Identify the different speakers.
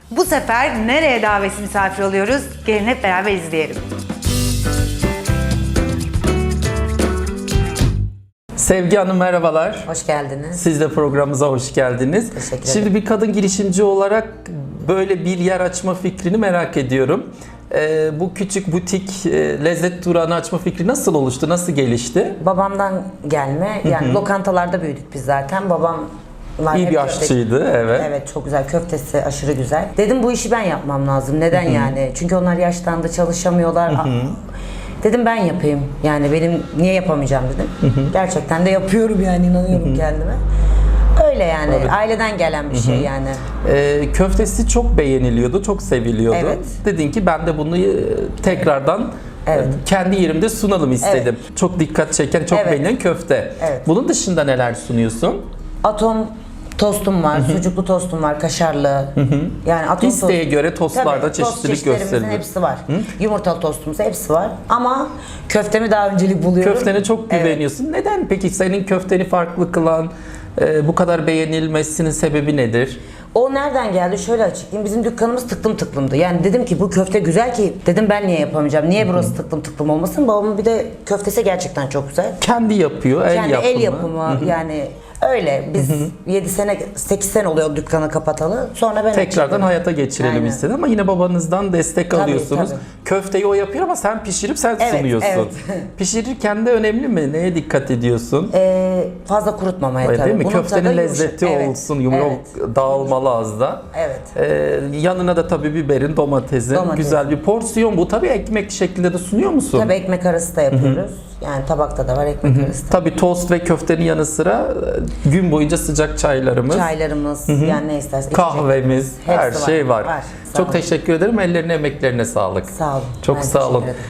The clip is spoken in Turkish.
Speaker 1: Bu sefer nereye davetsiz misafir oluyoruz? Gelin hep beraber izleyelim.
Speaker 2: Sevgi Hanım merhabalar.
Speaker 3: Hoş geldiniz.
Speaker 2: Siz de programımıza hoş geldiniz.
Speaker 3: Teşekkür ederim.
Speaker 2: Şimdi bir kadın girişimci olarak böyle bir yer açma fikrini merak ediyorum. Bu küçük butik lezzet durağını açma fikri nasıl oluştu, nasıl gelişti?
Speaker 3: Babamdan gelme. Yani lokantalarda büyüdük biz zaten. Babam
Speaker 2: İyi bir aşçıydı, evet.
Speaker 3: Evet, çok güzel. Köftesi aşırı güzel. Dedim bu işi ben yapmam lazım. Neden yani? Çünkü onlar yaşlandı, çalışamıyorlar. Dedim ben yapayım. Yani benim niye yapamayacağım dedim. Gerçekten de yapıyorum yani, inanıyorum kendime. Öyle yani.
Speaker 2: Evet.
Speaker 3: Aileden gelen bir şey yani.
Speaker 2: Köftesi çok beğeniliyordu, çok seviliyordu.
Speaker 3: Evet.
Speaker 2: Dedin ki ben de bunu tekrardan
Speaker 3: Evet.
Speaker 2: kendi yerimde sunalım istedim. Çok dikkat çeken, çok
Speaker 3: Evet.
Speaker 2: beğenilen köfte.
Speaker 3: Evet.
Speaker 2: Bunun dışında neler sunuyorsun?
Speaker 3: Atom tostum var, sucuklu tostum var, kaşarlı. Yani atom
Speaker 2: İsteğe göre tostlarda
Speaker 3: Tabii, tost
Speaker 2: çeşitlilik
Speaker 3: çeşitlerimizin
Speaker 2: gösterilir.
Speaker 3: hepsi var. Yumurtalı tostumuz hepsi var. Ama köftemi daha öncelik buluyorum.
Speaker 2: Köftene çok güveniyorsun. Neden peki senin köfteni farklı kılan, bu kadar beğenilmesinin sebebi nedir?
Speaker 3: O nereden geldi? Şöyle açıklayayım. Bizim dükkanımız tıklım tıklımdı. Yani dedim ki bu köfte güzel ki, dedim ben niye yapamayacağım? Niye burası tıklım tıklım olmasın? Babamın bir de köftesi gerçekten çok güzel.
Speaker 2: Kendi yapıyor,
Speaker 3: Kendi
Speaker 2: yapımı.
Speaker 3: el yapımı yani öyle. Biz 7 sene, 8 sene oluyor dükkanı kapatalı. Sonra ben
Speaker 2: Tekrardan
Speaker 3: açıldım.
Speaker 2: hayata geçirelim
Speaker 3: Aynen.
Speaker 2: istedim ama yine babanızdan destek
Speaker 3: Tabii,
Speaker 2: alıyorsunuz.
Speaker 3: tabii.
Speaker 2: Köfteyi o yapıyor ama sen pişirip sen
Speaker 3: Evet,
Speaker 2: sunuyorsun.
Speaker 3: evet.
Speaker 2: Pişirirken de önemli mi? Neye dikkat ediyorsun?
Speaker 3: Fazla kurutmamaya
Speaker 2: Öyle
Speaker 3: tabii.
Speaker 2: değil mi?
Speaker 3: Bunun
Speaker 2: Köftenin
Speaker 3: tadı
Speaker 2: lezzeti
Speaker 3: yumuşak.
Speaker 2: olsun,
Speaker 3: Evet.
Speaker 2: dağılmalı az da.
Speaker 3: Evet.
Speaker 2: Yanına da tabii biberin, domatesin, güzel bir porsiyon. Bu tabii ekmek şeklinde de sunuyor musun?
Speaker 3: Tabii ekmek arası da yapıyoruz. Yani tabakta da var, ekmek arası da.
Speaker 2: Tabii tost ve köftenin yanı sıra gün boyunca sıcak çaylarımız,
Speaker 3: Çaylarımız, yani ne istersen.
Speaker 2: kahvemiz,
Speaker 3: Hepsi
Speaker 2: her şey var.
Speaker 3: Sağ
Speaker 2: Çok
Speaker 3: olun.
Speaker 2: teşekkür ederim. Ellerine, emeklerine sağlık.
Speaker 3: Sağ olun.
Speaker 2: Çok
Speaker 3: Ben
Speaker 2: sağ olun.
Speaker 3: teşekkür ederim.